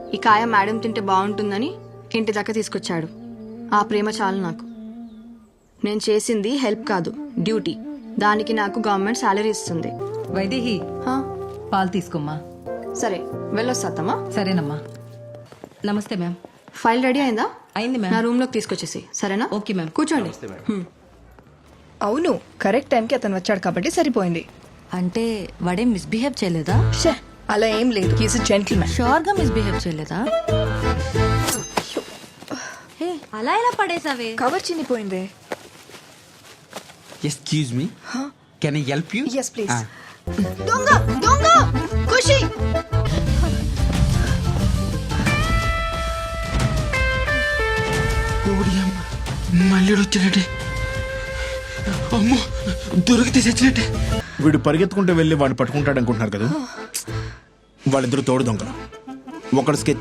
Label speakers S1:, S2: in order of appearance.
S1: ఈ కాయ మేడం తింటే బాగుంటుందని ఇంటి దాకా తీసుకొచ్చాడు. ఆ ప్రేమ చాలు నాకు. నేను చేసింది హెల్ప్ కాదు, డ్యూటీ. దానికి నాకు గవర్నమెంట్ శాలరీ ఇస్తుంది.
S2: వైదేహి,
S1: హా,
S2: పాలు తీసుకోమ్మా.
S1: సరే వెళ్ళొస్తామా?
S2: సరేనమ్మా. నమస్తే మ్యామ్.
S1: ఫైల్ రెడీ అయిందా?
S2: అయింది
S1: నా
S2: మ్యామ్.
S1: రూమ్ లోకి తీసుకొచ్చేసి. సరేనా?
S2: Okay ma'am.
S1: కూర్చోండి.
S3: అవును, కరెక్ట్ టైంకి అతను వచ్చాడు కాబట్టి సరిపోయింది.
S4: అంటే వాడేం మిస్బిహేవ్ చేయలేదా?
S3: షే, అలా ఏం లేదు. He's gentlemen.
S4: షూర్ గా మిస్బిహేవ్ చేయలేదా? హే, అలా ఎలా పడేసావే?
S3: కవర్ చినిపోయింది.
S5: Excuse me, can I help you?
S3: Yes, please.
S1: దొంగ దొంగ ఖుషి.
S5: మళ్ళీ వచ్చాడంటే అమ్మో, దొరికితే చచ్చినట్టే.
S6: వీడు పరిగెత్తుకుంటూ వెళ్ళి వాడిని పట్టుకుంటాడు అనుకుంటున్నారు కదా. వాళ్ళిద్దరు తోడు దొంగలు. ఒకడు స్కెచ్